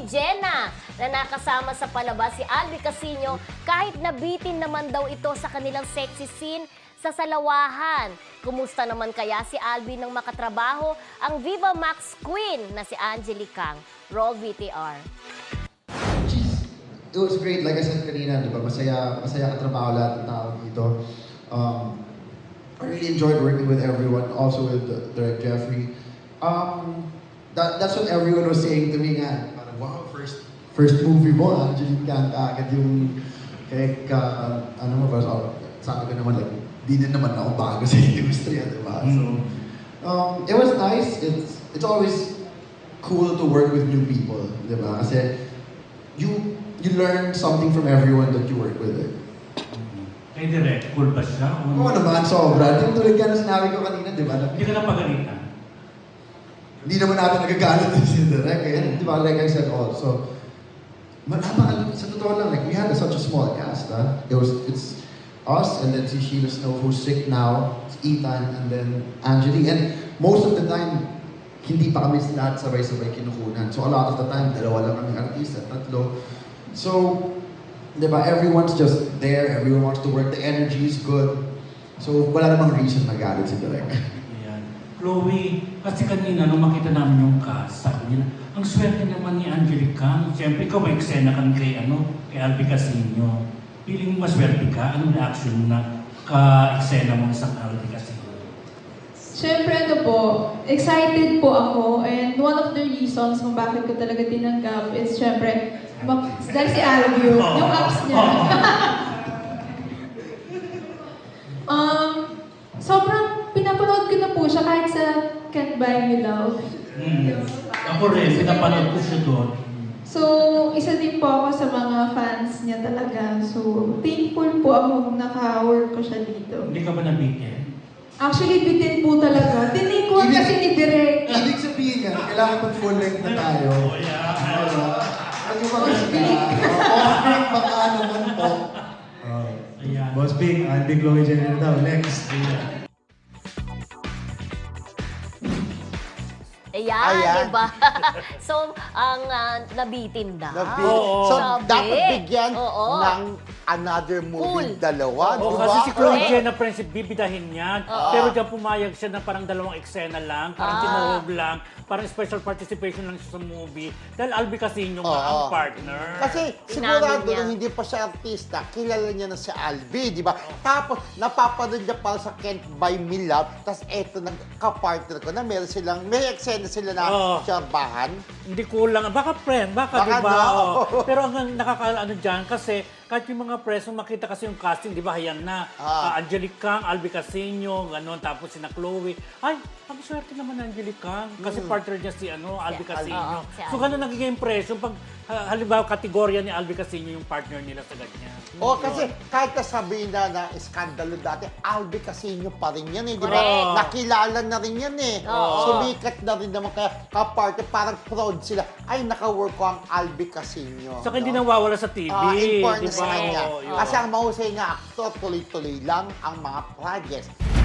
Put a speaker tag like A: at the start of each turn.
A: Jenna na nakasama sa palabas si Albi Casino kahit nabitin naman daw ito sa kanilang sexy scene sa Salawahan. Kumusta naman kaya si Albi nang makatrabaho ang Viva Max Queen na si Angelique Kang? Roll VTR.
B: It was great, like I said kanina, di ba? Masaya katrabaho lahat ng tao dito. I really enjoyed working with everyone, also with Direct Jeffrey. That's what everyone was saying to me nga. Parang, wow, first movie mo, Angelique Kang, agad yung, ano mo ba, sabi ko naman, like, di na naman ako bago sa industriya, di ba? So, it was nice. It's always cool to work with new people, di ba? Kasi, you learn something from everyone that you work with.
C: Kay Direk, cool ba siya?
B: Oo naman, sobra. Yung tulad ka na sinabi ko kanina, di ba?
C: Hindi ka na pagalitan.
B: Hindi naman natin nagagalit din si Direk. Di ba, like I said also, sa totoo lang, like, we had such a small cast. It's us, and then si Sheila Snow, who's sick now, it's Ethan, and then Angelique. And most of the time, hindi pa kami lahat sabay-sabay kinukunan. So a lot of the time, dalawa lang kami artista, tatlo. So, di ba, everyone's just there, everyone wants to work, the energy is good. So, wala namang reason magalit si Direk.
C: Ayan. Chloe, kasi kanina nung makita namin yung cast, sabi niya, ang swerte naman ni Angelique Kang. Siyempre, ikaw may eksena kan kay Albi Casino. Feeling mo maswerte ka? Anong reaction mo na ka-eksena mo sa Albi Casino?
D: Siyempre excited po ako, and one of the reasons kung bakit ko talaga tinanggap is siyempre, dahil si Albi yung apps niya. Sobrang pinapanood ko na po siya kahit sa Can't Buy Me Love.
C: Ako rin, pinapanood ko siya doon.
D: So, isa din po ako sa mga fans niya talaga. So, thankful po ako naka-work ko siya dito.
C: Hindi ka ba nabitin?
D: Actually, bitin po talaga. Tinikuan kasi ni Direk.
B: Ibig sabihin nga, kailangan mag full length na tayo.
C: Oh, yeah.
B: Ano ba off-break, baka ano man po.
C: Ayan.
E: Boss Big, Albi Chloe Jenner daw. Next.
A: Ayan, diba? So, ang nabitin daw.
F: So,
A: Sabi.
F: dapat bigyan
A: Oo.
F: ng another movie, dalawa, di
C: Oo,
F: ba?
C: kasi si Chloe
A: Correct.
C: Jenna Prince, bibidahin yan. Pero diyan pumayag siya na parang dalawang eksena lang, parang tinuhog lang, parang special participation lang siya sa movie. Dahil Albi Casino nga ang partner.
F: Kasi
A: Inamin
F: sigurado
A: niya.
F: nung hindi pa siya artista, kilala niya na si Albi, di ba? Tapos, napapanood niya para sa Can't Buy Me Love, tapos eto, nagka-partner ko na meron silang, may eksena sila na siyabahan.
C: Hindi kulang. Baka friend, baka
F: Baka
C: diba?
F: no.
C: Oo. Pero ang nakakaano dyan, kasi kahit yung mga press, nung makita kasi yung casting, di ba, hayan na. Angelique Kang, Albi Casino, gano'n, tapos si na Chloe. Ay, ang swerte naman ng Angelique Kang. Kasi partner niya si Albi Casino.
A: si
C: So, gano'n nagiging impression pag halimbawa, kategorya ni Albi Casino yung partner nila sa ganyan.
F: Kasi kahit nasabihin na iskandalo dati, Albi Casino pa rin yan, di ba?
A: Correct.
F: Nakilala na rin yan Sumikat na rin naman, kaya kaparte, parang proud sila. Ay, naka-work ko ang Albi Casino.
C: Saka hindi nawawala sa TV.
F: In fairness
C: di ba?
F: sa kanya.
C: Oo, yun.
F: Kasi ang mahusay na aktor, tuloy-tuloy lang ang mga projects.